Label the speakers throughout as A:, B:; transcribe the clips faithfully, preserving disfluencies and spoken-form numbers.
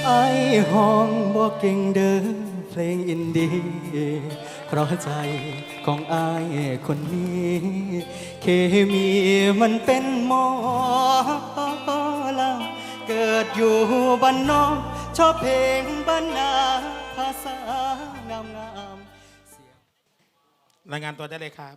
A: ไอ้ห้องบ่เก่งเด้อเพลงอินดี้เพราะใจของไอ้คนนี้เคมีมันเป็นหมอลำเกิดอยู่บ้านนอกชอบเพลงบ้านนาภาษางามงาม
B: รายงานตัวได้เลยครับ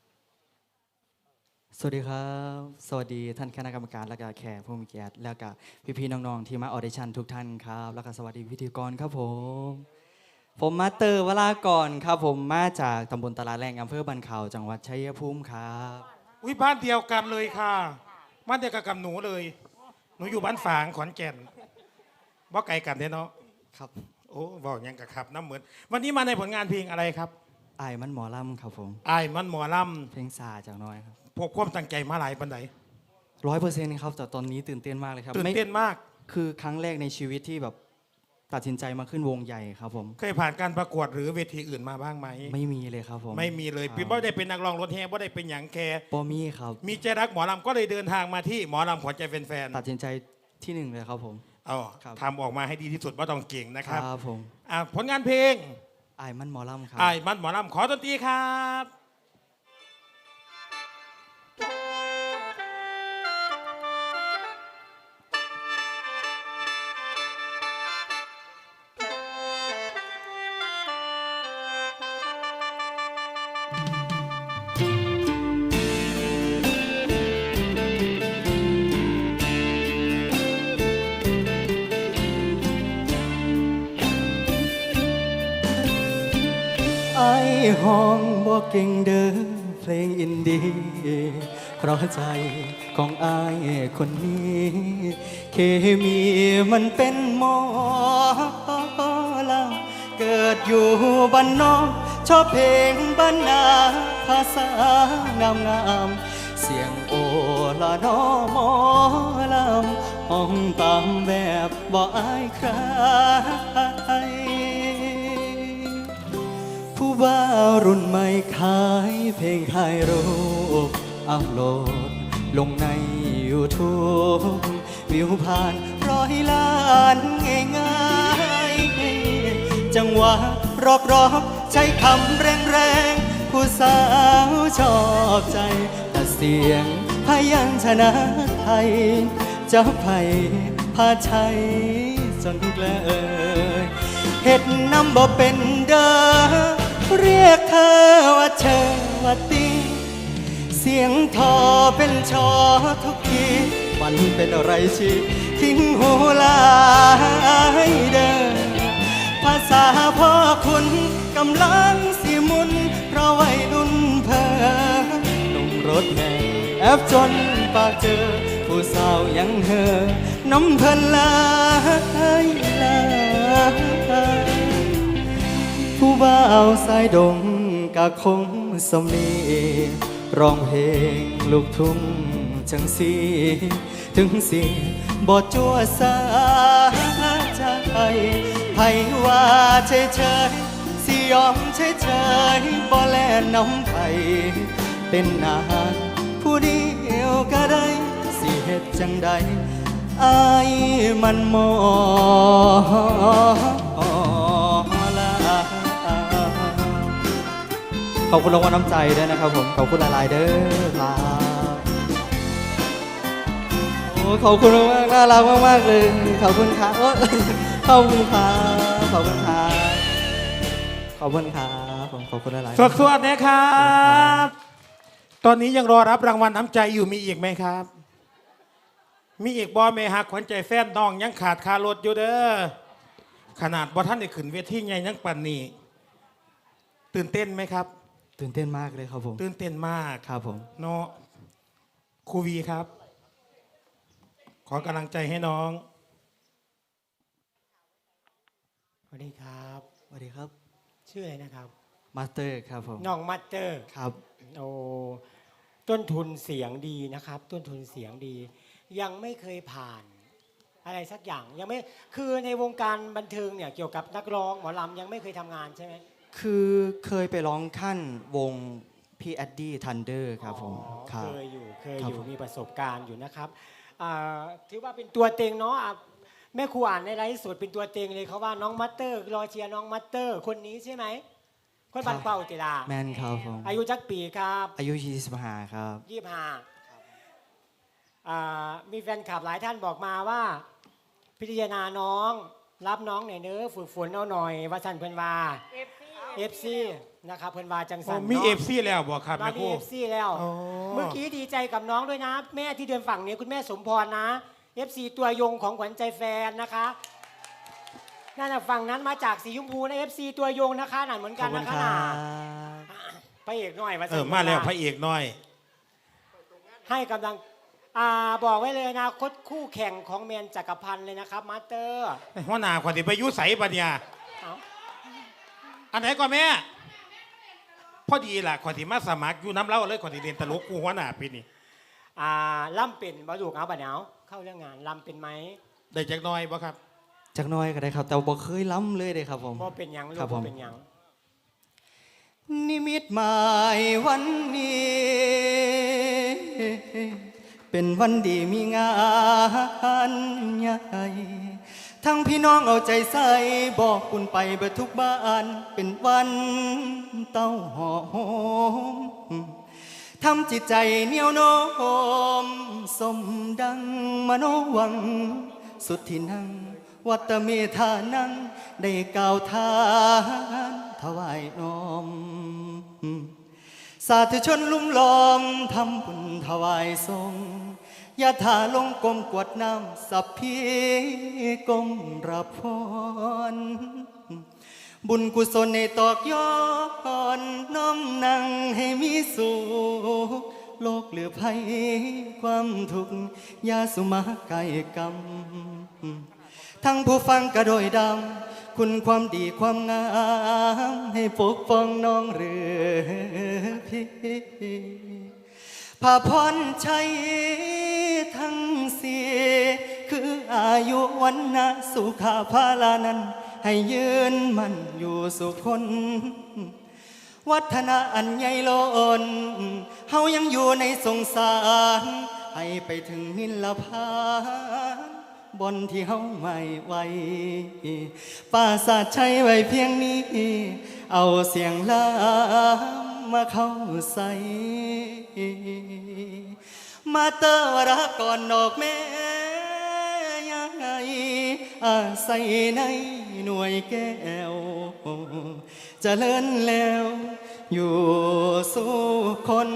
A: สวัสดีครับสวัสดีท่านคณะกรรมการและก็แขกผู้มีเกียรติแล้วก็พี่ๆน้องๆที่มาออดิชั่นทุกท่านครับแล้วก็สวัสดีพิธีกรครับผมผมมาเตอร์วรากรครับผมมาจากตำบลตลาดแรงอำเภอบันเขาจังหวัดชัยภูมิครับ
B: อุ้ยบ้านเดียวกันเลยค่ะบ้านเดียวกันกับหนูเลยหนูอยู่บ้านฝางขอนแก่นบ่ไกลกันเนาะ
A: ครับ
B: โอ้บอกยังกับครับน้ำเหมือนวันนี้มาในผลงานเพลงอะไรครับ
A: ไอ้มันหมอลำครับผม
B: ไอ้มันหมอล
A: ำเพลงซาจากน้อยครับ
B: พวกความตั้งใจมาหลายปันไหน
A: ร้อยเปอร์เซ็นต์ครับแต่ตอนนี้ตื่นเต้นมากเลยครับ
B: ตื่นเต้นมาก
A: คือครั้งแรกในชีวิตที่แบบตัดสินใจมาขึ้นวงใหญ่ครับผม
B: เคยผ่านการประกวดหรือเวทีอื่นมาบ้างไหม
A: ไม่มีเลยครับผม
B: ไม่มีเลยพี่บ่ได้เป็นนักร้องรถแห่บ่ได้เป็นหยังแคร์
A: บ่มีครับ
B: มีใจรักหมอลำก็เลยเดินทางมาที่หมอลำขวัญใจแฟน
A: ๆตัดสินใจที่หนึ่งเลยครับผม
B: อ๋อทำออกมาให้ดีที่สุดว่าต้องเก่งนะครับ
A: ครับผม
B: อ่าผลงานเพลง
A: ไอ้มันหมอลำครับ
B: ไอ้มันหมอลำขอดนตรีครับ
A: ไอ้ห้องบ่เก่งเด้อเพลงอินดี้เพราะใจของไอ้คนนี้เคมีมันเป็นหมอลำเกิดอยู่บ้านนอกชอบเพลงบ้านนาภาษางามงามเสียงโอละนอหมอลำห้องตามแบบบ่อายใครผู้บ่าวรุ่นใหม่ขายเพลงขายรูปอัพโหลดลงใน ยูทูบ วิวผ่านร้อยล้านง่ายๆจังหวะรอกรอกใช้คำแรงแรงผู้สาวชอบใจแต่เสียงพยัญชนะไทยจะไผ่พาชัยจนเกลอเห็ดน้ำบ่เป็นเด้อเรียกเธอว่าเชอว่าติงเสียงทอเป็นชอทุกทีมันเป็นอะไรชีทิ้งหูลายเดินภาษาพ่อคุณกำลังสิมุนเพราะวัยรุ่นเพอลงรถแห่แอบจนปากเจอผู้สาวยังเฮอน้ำเพลินลายลายผู้บ่าวสายดงกะคงสมนีร้องเพลงลูกทุ่งจังสีถึงสีบ่จั่วสาใจไผว่าเฉยเฉยสิยอมเฉยเฉยบ่แลน้ำไผเป็นนานผู้เดียวก็ได้สิเฮ็ดจังใดอายมันมอขอบคุณรางวัลน้ำใจด้วยนะครับผมขอบคุณหลายๆเด้อครับโอ้ขอบคุณมากน่ารักมากๆเลยขอบคุณครับขอบคุณครับขอบคุณครับขอบคุณครับผมขอบคุณหลายๆ
B: สวัสดีนะครับตอนนี้ยังรอรับรางวัลน้ำใจอยู่มีอีกไหมครับมีอีกบอเมฮักขวัญใจแฟนน้องยังขาดคารถอยู่เด้อขนาดบอท่านได้ขึ้นเวทีใหญ่ยังปั่นนี่ตื่นเต้นไหมครับ
A: ตื่นเต้นมากเลยครับผม
B: ตื่นเต้นมาก
A: ครับผม
B: เนาะครูวีครับขอกำลังใจให้น้อง
C: สวัสดีครับ
A: สวัสดีครับ
C: ชื่ออะไรนะครับ
A: มาสเตอร์ครับผม
C: น้องมาสเตอร์
A: ครับ
C: โอ้ต้นทุนเสียงดีนะครับต้นทุนเสียงดียังไม่เคยผ่านอะไรสักอย่างยังไม่คือในวงการบันเทิงเนี่ยเกี่ยวกับนักร้องหมอลำยังไม่เคยทำงานใช่ไหม
A: คือเคยไปร้องขั้นวงพี่แอดดี้ทันเดอร์ครับผม
C: เคยอยู่เคยอยู่มีประสบการณ์อยู่นะครับถือว่าเป็นตัวเต็งเนาะแม่ครูอ่านในไลฟ์สดเป็นตัวเต็งเลยเขาว่าน้องมัตเตอร์รอเชียร์น้องมัตเตอร์คนนี้ใช่ไหมคนบันเป่าติลา
A: แมนครับผม
C: อายุจักปีครับ
A: อายุยี่สิบห้าครับ
C: ยี่สิบห้าอ่ามีแฟนคลับหลายท่านบอกมาว่า พิจารณาน้องรับน้องหน่อยเนื้อะฝึกฝนเอาหน่อยว่าสันเพิ่นว่าเอฟซีนะครับเพิ่นว่าจังสัน
B: มี
C: นาะ
B: เอฟซีแล้วบอกครับ
C: เรา
B: แม่ค
C: มี
B: รู
C: เอฟซีแล้ว
B: อ๋อ
C: เมื่อกี้ดีใจกับน้องด้วยนะ แม่ที่เดินฝั่งนี้คุณแม่สมพรนะเอฟซีตัวยงของขวัญใจแฟนนะคะนั่นน่ะฝั่งนั้นมาจากสีชมพูนะเอฟซีตัวยงนะคะนั่นเหมือน
A: ข
C: กั
A: อบ
C: น
A: คุ
C: นะ
A: ณ
C: คะ
A: ครั
C: น่ะ
A: บ
C: พระเอกหน่อยว่า
B: เอ
C: สั
B: อน มาแล้วพระ
C: เ
B: เอกน้อย
C: ให้กำลังอ่าบอกไว้เลยนะคดคู่แข่งของแมนจักรพันธ์เลยนะครับมาสเตอร์
B: หัวหน้าขวัญที่ไปอยุใสปัญญา
C: เอา
B: อันไหนก่อนแม่พอดีล่ะขวัญที่มาสมัครอยู่น้ำเล่าเลยขวัญที่เรียนตลกกูหัวหน้าปีนี้
C: อ่าล่ำเป็นบาดูกเอาบัดเนาเข้าเรื่องงานล่ำเป็นไหม
B: ได้จักหน้อยบ่ครับ
A: จักหน้อยก็ได้ครับ แต่บ่เคยล้ำเลยเลยครับผม
C: บ่เป็นหยังลู
A: ครั
C: ก
A: บผม
C: บ่เป็นหยัง
A: นิมิตหมายวันนี้ เป็นวันดีมีงานใหญ่ทั้งพี่น้องเอาใจใส่บอกคุณไปเบิดทุกบ้านเป็นวันเต้าหอมทำจิตใจเหนียวโน้มสมดังมโนหวัง สุดที่นั่งวัตเมธานังได้กล่าวทานถวายน้อม สาธุชนลุ่มล้อมทำบุญถวายทรงยาถาลงกลมกวดน้ำสัพพีกลมรับพร บุญกุศลในตอกย้อนน้อมนั่งให้มีสุขโลกเหลือภัยความทุกข์ยาสุมาไกลกรรม ทั้งผู้ฟังกระโดยดำคุณความดีความงามให้ปกป้องน้องเรือพี่พาพรชัยทั้งสี่คืออายุวันนะสุขาภาลานั้นให้ยืนมันอยู่สุขคนวัฒนาอันใหญ่โลนเฮายังอยู่ในสงสารให้ไปถึงนิลพานบนที่เฮาไม่ไหวป่าสาทใช้ไว้เพียงนี้ เอาเสียงลามมาเข้าใส่ มาเตอวระก่อนดอกแม่ยังไงอาศัยในหน่วยแก้วเจะเลินแล้ว อยู่สู่คน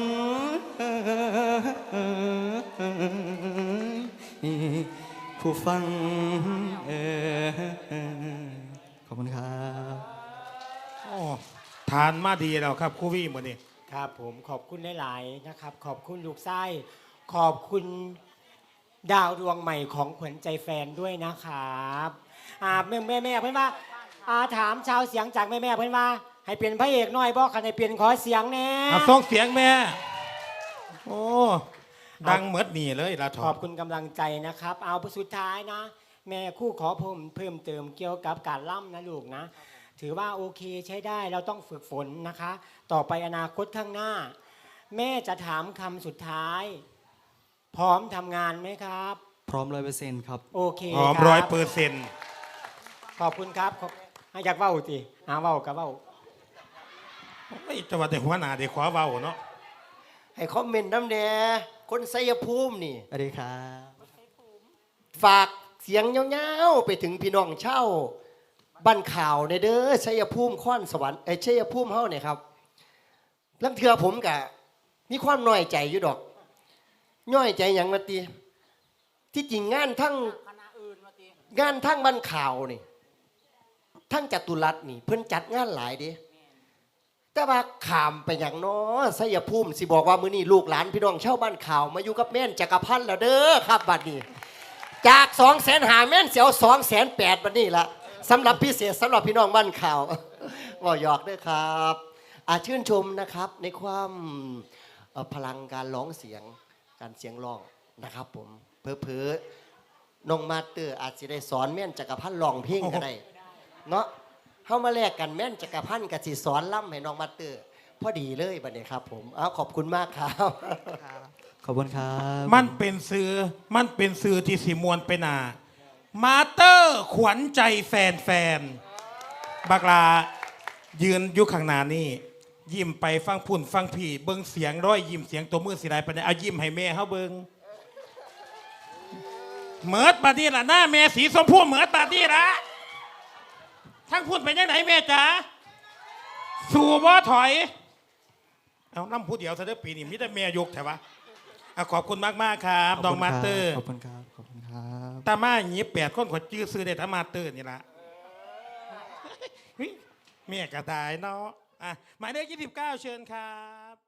A: ผู้ฟังเออขอบคุณครับ
B: โอ้ทานมาดีแล้วครับครูวี่หมดนี่
C: ครับผมขอบคุณหลายๆนะครับ ขอบคุณลูกไส้ขอบคุณดาวดวงใหม่ของขวัญใจแฟนด้วยนะครับอ่าแม่แม่แม่เพื่อนว่าอ่าถามชาวเสียงจากแม่แม่เพื่อนว่า ให้เปลี่ยนพระเอกหน่อยบอกคันให้เปลี่ยนขอเสียงแน่
B: อ่ะส่งเสียงแม่ โอ้ ดังเหมือดหนีเลยละท
C: ขอบคุณกำลังใจนะครับ เอาสุดท้ายนะ แม่คู่ขอเพิ่มเพิ่มเติมเกี่ยวกับการล่ำนะลูกนะ ถือว่าโอเคใช้ได้เราต้องฝึกฝนนะคะ ต่อไปอนาคตข้างหน้า แม่จะถามคำสุดท้าย พร้อมทำงานไหมครับ
A: พร้อมร้อยเปอร์เซ็นต์ครับ
C: โอเค
B: หอม
C: คบ
B: ร้อยเปอร์เซ็นต์
C: ขอบคุณครับขอบให้อยากเว้าติหาเว้ากับเว้า
B: ไม่จะว่าแต่หัวหน้าเด็กขวาเว้าเนาะ
D: ให้คอมเมนต์น้ำแน่คนไสยภูมินี่
A: สวัสดีครับ
D: ฝากเสียงเงาๆไปถึงพี่น้องเช่าบ้านข่าวในเด้อชัยภูมิข้อนสวรรค์ไอ้ชัยภูมิเฮาเนี่ยครับลังเทือผมกะมีความน้อยใจอยู่ดอกน้อยใจหยังมาตีที่จริงงานทั้งงานทั้งบ้านข่าวนี่ทั้งจัตุรัสนี่เพิ่นจัดงานหลายเด้แต่ว่าขามไปอย่างน้อชัยภูมิสิบอกว่ามื้อนี้ลูกหลานพี่น้องเช่าบ้านข่าวมาอยู่กับแม่นจักรพันธ์แล้วเด้อครับบัดนี้จากสองแสนหาแม่นเสียวสองแสนแปดบัดนี้ละสำหรับพิเศษสำหรับพี่น้องบ้านข่าวว่าหยอกด้วยครับอาชื่นชมนะครับในความเอ่อพลังการร้องเสียงการเสียงร้องนะครับผมเพอเพอๆน้องมาสเตอร์อาจจะได้สอนแม่นจักรพันธ์ร้องเพลงก็ได้เนาะเข้ามาแลกกันแม่นจักรพันธ์กับสิสอนล่ำให้น้องมาสเตอร์พอดีเลยบัดนี้ครับผมเอาขอบคุณมากครับ
A: ขอบคุณครับ
B: มันเป็นสื่อมันเป็นสื่อที่สิมวนไปหนามาเตอร์ขวัญใจแฟนแฟนๆบักลายืนอยู่ข้างหน้านี่ยิ้มไปฟังพุ่นฟังพี่เบิ้งเสียงร้อยยิ้มเสียงตัวมือสีไรไปเนี่ยเอายิ้มให้แม่เขาเบิ้งเหมือดบาดนี้ล่ะหน้าแม่สีชมพูเหมือดบาดนี้ละทั้งพุ่นไปยังไหนแม่จ๋าสู่บ่ถอยเอาน้ำผู้เดียวซะเด้อปีนี้มิแต่แม่ยกแต่ว่าขอบคุณมากๆครับน้องมาเตอร์
A: ขอบคุณครับขอบคุณครับ
B: ตามาหยีแปดคนขอจื้อซื้อได้ตามาเตอร์นี่ละเฮ้ยแม่กระต่ายเนาะอ่ะหมายเลขยี่สิบเก้าเชิญครับ